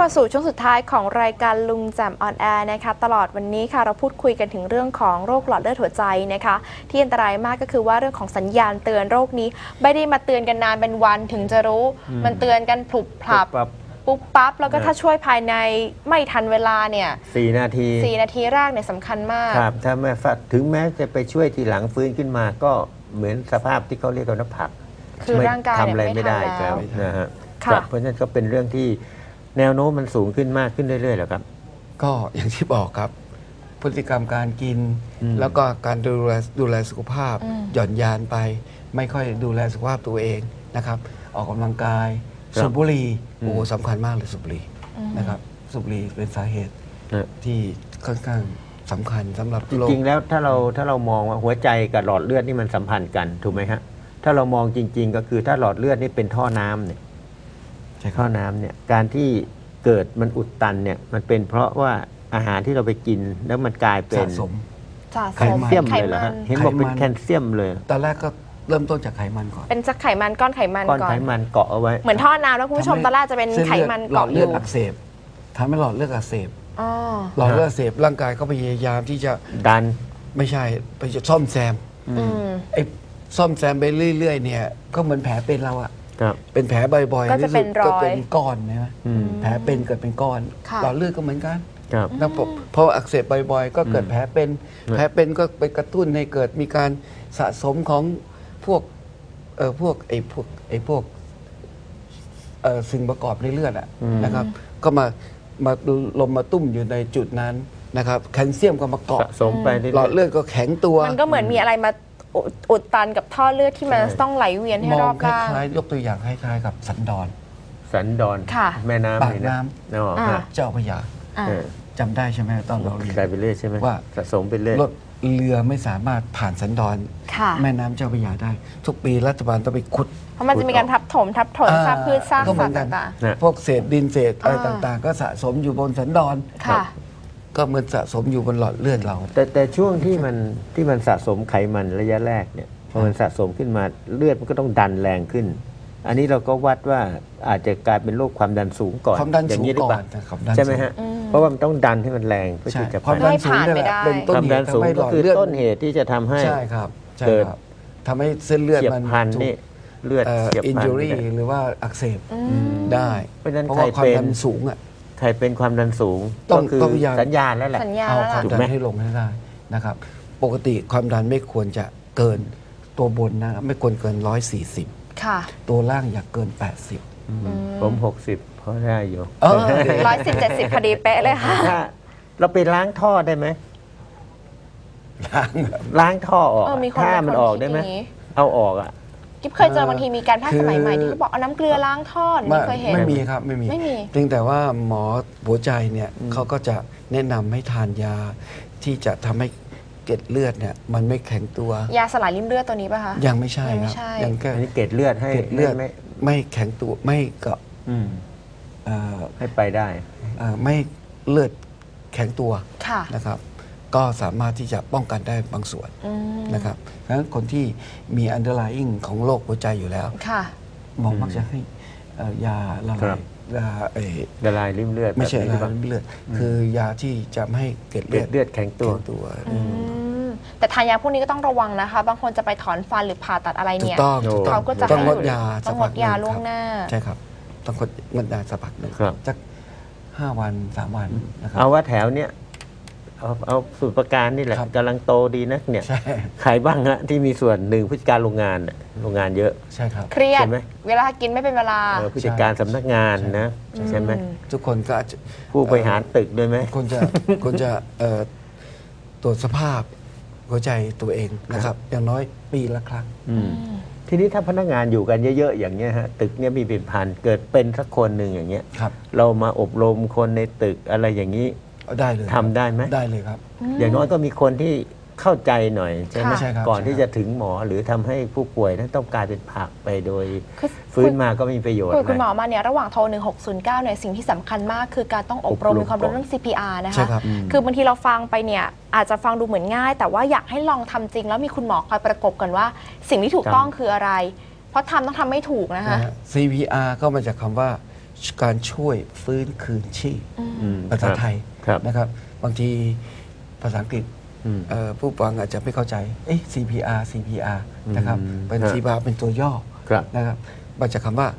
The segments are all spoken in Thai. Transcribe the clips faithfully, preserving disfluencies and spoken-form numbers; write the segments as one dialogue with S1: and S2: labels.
S1: มาสู่ช่วงสุดท้ายของรายการลุงแจ่มออนแอร์นะคะตลอดวันนี้ค่ะเราพูดคุยกันถึงเรื่องของโรคหลอดเลือดหัวใจนะคะที่อันตรายมากก็คือว่าเรื่องของสัญญาณเตือนโรคนี้ไม่ได้มาเตือนกันนานเป็นวันถึงจะรู้มันเตือนกันพลุบพลับปุ๊บปั๊บแล้วก็ถ้าช่วยภายในไม่ทันเวลาเนี่ย
S2: สี่นาที
S1: สี่นาทีแรกเนี่ยสำคัญมาก
S2: ครับถ้าแม่ฟัดถึงแม้จะไปช่วยทีหลังฟื้นขึ้นมาก็เหมือนสภาพที่เขาเรียกว่าน้ำผัก
S1: คือร่างกาย
S2: ทำอะไรไม่ได้แล้วนะฮะเพราะฉะนั้นก็เป็นเรื่องที่แนวโน้มมันสูงขึ้นมากขึ้นเรื่อยๆแล้วครับ
S3: ก็อย่างที่บอกครับพฤติกรรมการกินแล้วก็การดูแลดูแลสุขภาพหย่อนยานไปไม่ค่อยดูแลสุขภาพตัวเองนะครับออกกำลังกายสูบบุหรี่โอ้สำคัญมากเลยสูบบุหรี่นะครับสูบบุหรี่เป็นสาเหตุที่ค่อนข้างสำคัญสำหรับ
S2: จริงๆแล้วถ้าเราถ้าเรามองว่าหัวใจกับหลอดเลือดนี่มันสัมพันธ์กันถูกไหมฮะถ้าเรามองจริงๆก็คือถ้าหลอดเลือดนี่เป็นท่อน้ำเนี่ยใช่ท่อน้ำเนี่ยการที่เกิดมันอุดตันเนี่ยมันเป็นเพราะว่าอาหารที่เราไปกินแล้วมันกลายเป็น
S3: สะสม
S2: แคลเซียมเลยเหรอฮะเห็นบอกเป็นแคลเซียมเลย
S3: ตอนแรกก็เริ่มต้นจากไขมันก่อน
S1: เป็นจากไขมันก้อนไขมัน
S2: ก่อนก้อนไขมันเกาะเอาไว้
S1: เหมือนท่อน้ำแล้วคุณผู้ชมตอนแรกจะเป็นไขมันเกาะอยู่
S3: หลอดเลือดอักเสบทำให้หลอดเลือดอักเสบหลอดเลือดอักเสบร่างกายก็พยายามที่จะ
S2: ดัน
S3: ไม่ใช่ไปจะซ่อมแซมไอ้ซ่อมแซมไปเรื่อยๆเนี่ยก็เหมือนแผลเป็นเราอะเป็นแผลบ่อยๆ
S1: ก็จะเป็นรอย
S3: ก็เป็นก้อนใช่ไหมแผลเป็นเกิดเป็นก้อนหลอดเลือดก็เหมือนกันแล้วพออักเสบบ่อยๆก็เกิดแผลเป็นแผลเป็นก็ไปกระตุ้นให้เกิดมีการสะสมของพวกเออพวกไอ้พวกไอ้พวกเออสิ่งประกอบในเลือดอะนะครับก็มามาลมมาตุ้มอยู่ในจุดนั้นนะครับแคลเซียมก็มาเกาะ
S2: สะสมไป
S3: หลอดเลือดก็แข็งตัว
S1: มันก็เหมือนมีอะไรมาอุดตันกับท่อเลือดที่มันต้องไหลเวียนให้รอบ
S3: ด้านมองคล้ายๆยกตัวอย่างคล้ายๆกับสันดอน
S2: สันดอนแม่น้ำ
S3: ปากน้ำเจ้าพระยาจำได้ใช่ไหมตอนเราเรียน
S2: ไปเรื่อยใช่ไหมว่าสะสมไปเรื่อย
S3: รถเรือไม่สามารถผ่านสันดอนแม่น้ำเจ้าพระยาได้ทุกปีรัฐบาลต้องไปขุด
S1: เพราะมันจะมีการทับถมทับถมซากพืชซากสัตว์ต่าง
S3: ๆพวกเศษดินเศษอะไรต่างๆก็สะสมอยู่บนสันดอนก็เหมือนสะสมอยู่บนหลอดเลือดเรา
S2: แต่แต่ช่วงที่มันที่มันสะสมไขมันระยะแรกเนี่ยพอมันสะสมขึ้นมาเลือดมันก็ต้องดันแรงขึ้นอันนี้เราก็วัดว่าอาจจะกลายเป็นโรคความดันสูงก่อน
S3: ความดันสูงก่อน
S2: ใช่ไหมฮะเพราะว่ามันต้องดันให้มันแรงเพื่อที่จะ
S3: ความดันสูงเป็นต้นเหตุทำให้หลอดเลือด
S2: ต้นเหตุที่จะทำให้
S3: เกิดทำให้เส้นเลือดมัน
S2: พันนี่เลือด
S3: อินจูรี่หรือว่าอักเสบได้
S2: เพราะฉะนั้น
S3: ใครเป็นสูงอ่ะ
S2: ใครเป็นความดันสูง
S3: ต้อง
S2: สัญญาณแล้วแหละ
S3: เอาความดันให้ลงให้ได้นะครับปกติความดันไม่ควรจะเกินตัวบนนะไม่ควรเกินร้อยสี่สิบตัวล่างอยากเกินแปดสิบ
S2: ผมหกสิบเพราะได้อยู่
S1: ร้อยสิบเจ็ดสิบพอดีเป๊ะเลยค่ะ
S2: เราไปล้างท่อได้ไหมล้างล้างท่อออกถ้ามันออกได้ไหมเอาออกอ่ะ
S1: กิ๊บเคยเจอบางทีมีการแพทย์สมัยใหม่ที่เขาบอกเอาน้ำเกลือล้างท่อไม่เคยเห็น
S3: ไม่มีครับไม่มีเพียงแต่ว่าหมอหัวใจเนี่ยเขาก็จะแนะนำให้ทานยาที่จะทำให้เกล็ดเลือดเนี่ยมันไม่แข็งตัวย
S1: าสลายริ่มเลือดตัวนี้ป่ะคะ
S3: ยังไม่ใช่ครับ
S2: ยังแค่เกล็ดเลือดให้
S3: เกล็ดเลือดไม่แข็งตัวไม่เกาะ
S2: ให้ไปได้
S3: ไม่เลือดแข็งตัวนะครับก็สามารถที่จะป้องกันได้บางส่วนนะครับดังนั้นคนที่มี underlying ของโรคหัวใจอยู่แล้วหมอมักจะให้ยาละลายยา
S2: ละลายริ่มเลือด
S3: ไม่ใช่ละลายริ่มเลือดคือยาที่จะไม่ให้เกล็ดเ
S2: ลือดแข็งตัว
S1: แต่ทานยาพวกนี้ก็ต้องระวังนะคะบางคนจะไปถอนฟันหรือผ่าตัดอะไรเนี่ยเขาก็จะ
S3: ต้องงดยา
S1: ต้องงดยาล่วงหน้า
S3: ใช่ครับต้องงดยาสักพักหนึ่งสักห้าวันสามวันนะครับ
S2: เอาว่าแถวเนี้ยเอาเอาสูตรประการนี่แหละกำลังโตดีนะเนี่ยขายบ้างฮะที่มีส่วนหนึ่งผู้จัดการโรงงานโรงงานเยอะ
S3: ใช่ครับ
S1: เครียดเวลากินไม่เป็นเวลา
S2: ผู้จัดการสำนักงานนะใช่ไหม
S3: ทุกคนก็
S2: ผู้บริหารตึกด้วยไหม
S3: คนจะคนจะตรวจสภาพหัวใจตัวเองนะครับอย่างน้อยปีละครั้ง
S2: ทีนี้ถ้าพนักงานอยู่กันเยอะๆอย่างเงี้ยฮะตึกเนี้ยมีเป็นพันเกิดเป็นสักคนหนึ่งอย่างเงี้ยเรามาอบรมคนในตึกอะไรอย่างนี้
S3: ได้เลย
S2: ทำได้ไหม
S3: ได้เลยครับ
S2: อย่างน้อยก็มีคนที่เข้าใจหน่อยใช่ไหมก่อนที่จะถึงหมอหรือทำให้ผู้ป่วยนั้นต้องกลายเป็นผักไปโดยฟื้นมาก็มีประโยชน์
S1: คุณหมอมาเนี่ยระหว่างโทรหนึ่งหกศูนย์เก้าเนี่ยสิ่งที่สำคัญมากคือการต้องอบรมมีความรู้เรื่อง ซี พี อาร์ นะคะคือบางทีเราฟังไปเนี่ยอาจจะฟังดูเหมือนง่ายแต่ว่าอยากให้ลองทำจริงแล้วมีคุณหมอคอยประกบกันว่าสิ่งที่ถูกต้องคืออะไรเพราะทำต้องทำไม่ถูกนะคะ
S3: ซี พี อาร์ ก็มาจากคำว่าการช่วยฟื้นคืนชีพ
S2: อืม
S3: ภาษาไทย
S2: ครับ
S3: นะครับ บางทีภาษาอังกฤษ
S2: อืม
S3: เอ่อผู้ฟังอาจจะไม่เข้าใจเอ๊ะ ซี พี อาร์ ซี พี อาร์ นะครับ
S2: อืม
S3: เป็น
S2: ฮะ
S3: ซี พี อาร์ เป็นตัวย่อ
S2: ครับ
S3: นะครับมาจากคำว่า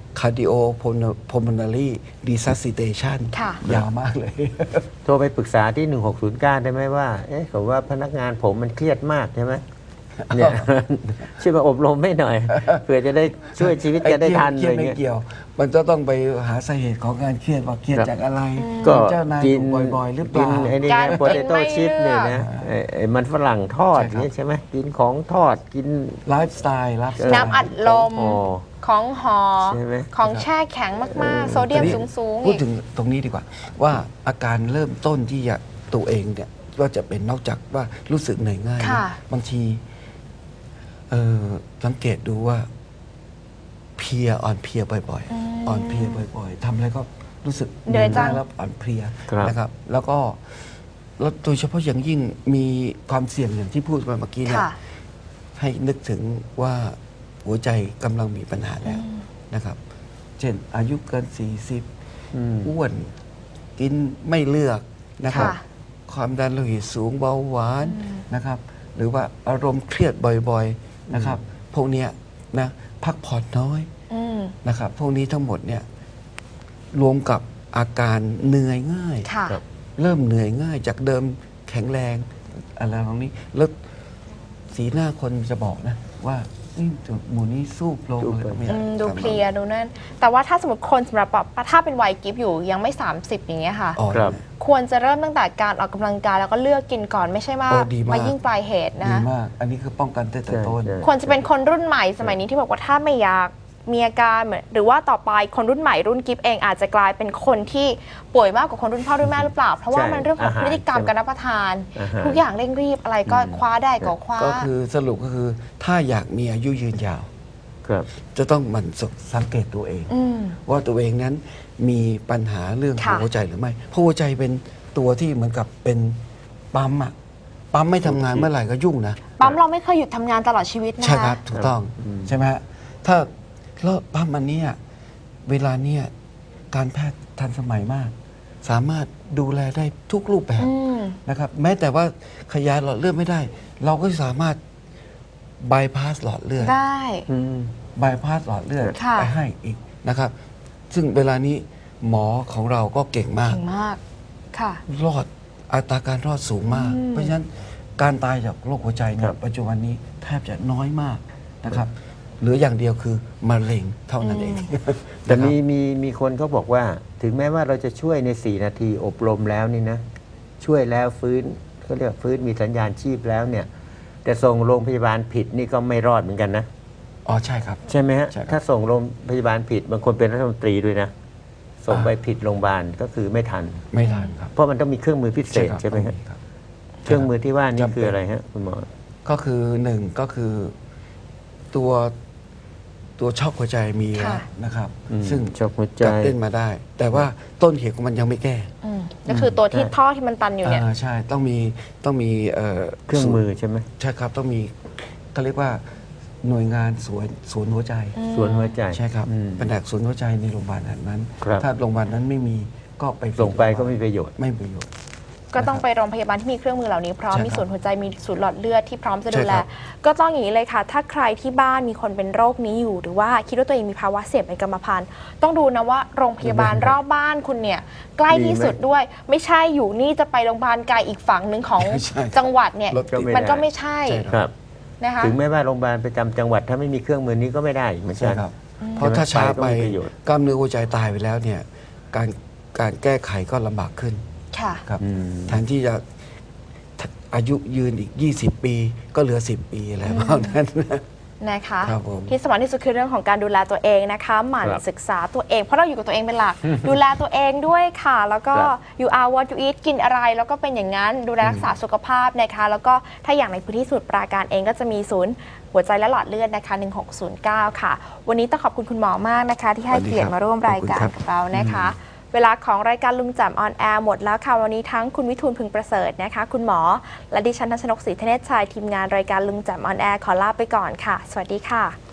S3: cardiopulmonary resuscitation
S1: ค่ะ
S3: ยาวมากเลย
S2: โทรไปปรึกษาที่ หนึ่งหกศูนย์เก้า ได้ไหมว่า เอ๊ะเขาว่าพนักงานผมมันเครียดมากใช่ไหมเนี่ย ช่วยมาอบรมให้หน่อย เพื่อจะได้ช่วยชีวิตจะได้ทัน
S3: เค
S2: อะ
S3: รี
S2: ไร
S3: ยดไม่
S2: เงี้ย
S3: เกี่ยว มันจะต้องไปหาสาเหตุของการเครียดว่าเครียด
S2: ครับ
S3: จากอะไร
S2: ก็
S3: เจ้านาย
S2: กิน
S3: ถูกบ่อยๆ หรือเป
S2: กิน
S3: ล่า
S2: ไอ้นี่
S1: การ
S2: นะ
S1: กิน
S2: โปเตโต้
S1: ไม่
S2: ชิพ
S1: เลื
S2: เนี่
S1: อย ก
S2: นะไอ้ไอ้มันฝรั่งทอด
S3: ใช่ครับ
S2: นี่ใช่ไหมกินของทอดกิน
S3: ไลฟ์สไตล์ไลฟ์สไตล์
S1: น้ำอัดลม
S2: อ๋อ
S1: ของหอ
S2: ใช่ไหม
S1: ของแช่แข็งมาก ๆ โซเดียม
S3: ทีนี้
S1: สูง ๆ
S3: พูด
S1: อีก
S3: ถึงตรงนี้ดีกว่า ว่าอาการเริ่มต้นที่จะตัวเองเนี่ยว่าจะเป็นนอกจากว่ารู้สึกเหนื่อยง่าย
S1: ค่ะ
S3: บางทีเออสังเกตดูว่าเพลียอ่อนเพลียบ่อย
S1: อืม
S3: ๆ อ่อนเพลียบ่อยๆทำอะไรก็รู้สึก
S1: เหนื่อยจัง
S3: ง่แล้วอ่อนเพลีย
S2: ครับ
S3: นะครับ แล้วก็แล้วโดยเฉพาะอย่างยิ่งมีความเสี่ยงอย่างที่พูดไปเมื่อกี้เนี่ย
S1: ค่ะ
S3: ให้นึกถึงว่าหัวใจกำลังมีปัญหาแล้วนะครับ เช่นอายุเกิน สี่สิบ
S2: อืม
S3: อ้วนกินไม่เลือกนะครับ
S1: ค่ะ
S3: ความดันโลหิตสูงเบาหวานนะครับ หรือว่าอารมณ์เครียดบ่อยๆนะครับ พวกเนี้ยนะพักผ่อนน้อย
S1: อืม
S3: นะครับ พวกนี้ทั้งหมดเนี่ยรวมกับอาการเหนื่อยง่าย
S1: ค่ะ
S2: ครับ
S3: เริ่มเหนื่อยง่ายจากเดิมแข็งแรงอะไรตรงนี้ แล้วสีหน้าคนจะบอกนะ ว่านี่หมูนี้สู้โปร
S2: สู้
S3: เลย
S2: โปร
S3: ไม่
S1: อืมดู
S3: กลับ
S1: เพ
S3: มา
S1: ลียดูนั่น แต่ว่าถ้าสมมติคนสำหรับแบบถ้าเป็นวัยกิฟต์อยู่ยังไม่ สามสิบ อย่างเงี้ยค่ะ
S3: อ่อน
S2: ครับ
S1: ควรจะเริ่มตั้งแต่การออกกำลังกายแล้วก็เลือกกินก่อนไม่ใช่ว่า
S3: โอ้ดีมาก
S1: มายิ่งปลายเหตุนะ
S3: ดี
S1: คะ
S3: มาก อันนี้คือป้องกันตั้งแต่ต้น
S2: ใช่ใช่
S1: ควรจะเป็นคนรุ่นใหม่สมัยนี้ที่บอกว่าถ้าไม่อยากมีอาการเหมือนหรือว่าต่อไปคนรุ่นใหม่รุ่นกิฟต์เองอาจจะกลายเป็นคนที่ป่วยมากกว่าคนรุ่นพ่อรุ่นแม่หรือเปล่า เพราะว่า
S2: ใช่
S1: มันเรื่องของ
S2: อาหาร
S1: พฤติกรรม
S2: ใช่ไหม
S1: การรับประทาน
S2: อาหาร
S1: ทุกอย่างเร่งรีบอะไรก็คว้าได้ก็คว้า
S3: ก็คือสรุปก็คือถ้าอยากมีอายุยืนยาว
S2: ครับ
S3: จะต้องหมันสังเกตตัวเอง
S1: อืม
S3: ว่าตัวเองนั้นมีปัญหาเรื่องของ
S1: ค่ะ
S3: หัวใจหรือไม่ เพราะหัวใจเป็นตัวที่เหมือนกับเป็นปั๊มอะปั๊มไม่ทำงานเมื่อไหร่ก็ยุ่งนะ
S1: ปั๊มเราไม่เคยหยุดทำงานตลอดชีวิตนะคะ
S3: ใช่ครับ ถูกต้อง
S2: อืม
S3: ใช่ไหมฮะถ้าแล้วปั๊มอันเนี้ยเวลาเนี้ยการแพทย์ทันสมัยมาก สามารถดูแลได้ทุกรูปแบบ
S1: อืม
S3: นะครับ แม้แต่ว่าขยายหลอดเลือดไม่ได้ เราก็สามารถบายพาสหลอดเลือด
S1: ได้
S2: อืม
S3: บายพาสหลอดเลือด
S1: ค่ะ
S3: ไปให้อีกนะครับ ซึ่งเวลานี้หมอของเราก็เก่งมาก
S1: เก่งมากค่ะ
S3: รอดอัตราการรอดสูงมาก
S1: อืม
S3: เพราะฉะนั้นการตายจากโรคหัวใจเนี่
S2: ครั
S3: ย
S2: บ
S3: ปัจจุบันนี้แทบจะน้อยมากนะครับเหลืออย่างเดียวคือมะเร็งเท่านั้นเอง
S2: แต่
S3: นะครับ
S2: มีมีมีคนเขาบอกว่า ถึงแม้ว่าเราจะช่วยใน สี่ นาทีอบรมแล้วนี่นะ ช่วยแล้วฟื้นเขาเรียกฟื้นมีสัญญาณชีพแล้วเนี่ย แต่ส่งโรงพยาบาลผิดนี่ก็ไม่รอดเหมือนกันนะ
S3: อ๋อใช่ครับ
S2: ใช่ไหมฮะ
S3: ใช่ครับ
S2: ถ้าส่งโรงพยาบาลผิด บางคนเป็นรัฐมนตรีด้วยนะ ส่งไปผิดโรงพยาบาลก็คือไม่ทัน
S3: ไม่ทันครับ
S2: เพราะมันต้องมีเครื่องมือพิเศษ
S3: ครับ
S2: ใช่ไหมฮะ
S3: ต้องครับ
S2: เครื่องมือที่ว่านี่
S3: จำเป็น
S2: คืออะไรฮะคุณหมอ
S3: ก็คือหนึ่งก็คือตัวตัวช็อกหัวใจมีแล้ว
S1: ค่ะ
S3: นะครับ
S2: อืม
S3: ซึ่ง
S2: ช็อกหัวใจ
S3: จับเต้นมาได้ แต่ว่าต้นเหตุของมันยังไม่แก้
S1: อืมก็คือตัวที่
S2: ใช่
S1: ท่อที่มันตันอยู่เนี่ย
S3: อ่าใช่ต้องมีต้องมีเอ่อ
S2: เครื่องมือใช่ไหม
S3: ใช่ครับต้องมีเขาเรียกว่าหน่วยงานสวนศูนย์หัวใจ
S2: ส่วนหัวใจ
S3: ใช่ครับ
S2: อืม
S3: แผนกศูนย์หัวใจในโรงพยาบาลนั้น
S2: ครับ
S3: ถ้าโรงพยาบาลนั้นไม่มีก็ไป
S2: ส่งไปก็ไม่มีประโยชน์
S3: ไม่มีประโยชน์
S1: ก็ต้องไปโรงพยาบาลที่มีเครื่องมือเหล่านี้พร้อม
S3: ใช่ครับ
S1: มีศูนย์หัวใจมีศูนย์หลอดเลือดที่พร้อมจะดูแล
S3: ใช่ครับ
S1: ก็ต้องอย่างนี้เลยค่ะ ถ้าใครที่บ้านมีคนเป็นโรคนี้อยู่ หรือว่าคิดว่าตัวเองมีภาวะเสี่ยงเป็นกรรมพันธุ์ต้องดูนะว่าโรงพยาบาลรอบบ้านคุณเนี่ยใกล้ที่สุดด้วย ไม่ใช่อยู่นี่จะไปโรงพยาบาลไกลอีกฝั่งหนึ่งของ
S3: ใช่ครับ
S1: จังหวัดเนี่ย
S3: รถติด
S1: มันก็ไม่ใช่
S3: ใช่
S2: ครับ
S1: นะคะ
S2: ถึงแม้ว่าโรงพยาบาลประจำจังหวัดถ้าไม่มีเครื่องมือนี้ก็ไม่ได้เหมือน
S3: ใช่
S2: กัน
S3: ครับ เพราะถ้าช้าไป
S2: ไปก็มีประโยชน์
S3: กล้ามเนื้อหัวใจตายไปแล้วเนี่ยการการแก้ไขก็ลำบากขึ้น
S1: ค่ะ
S3: ครับ
S2: อืม
S3: แทนที่จะอายุยืนอีก ยี่สิบ ปีก็เหลือ สิบ ปีอะไรประมาณนั้นนะ
S1: นะคะ
S3: ครับผม
S1: ที่สำคัญที่สุดคือเรื่องของการดูแลตัวเองนะคะหมั่น
S2: ครับ
S1: ศึกษาตัวเอง เพราะเราอยู่กับตัวเองเป็นหลัก ดูแลตัวเองด้วยค่ะ แล้วก็
S2: ครับ
S1: you are what you eat กินอะไรแล้วก็เป็นอย่างนั้นดูแลรักษาสุขภาพนะคะ แล้วก็ถ้าอย่างในพื้นที่สมุทรปราการเองก็จะมีศูนย์หัวใจและหลอดเลือดนะคะหนึ่งหกศูนย์เก้าค่ะ วันนี้ต้องขอบคุณคุณหมอมากนะคะ ที่ให้
S3: สวัสดี
S1: เกียรติ
S3: ครับ
S1: มาร่วมรายการ
S3: ขอบคุณครับ
S1: กับเรานะคะ เวลาของรายการลุงแจ่มออนแอร์หมดแล้วค่ะวันนี้ทั้งคุณวิทูลพึงประเสริฐนะคะ คุณหมอและดิฉันทัศนกศรีธเนศชัยทีมงานรายการลุงแจ่มออนแอร์ขอลาไปก่อนค่ะ สวัสดีค่ะ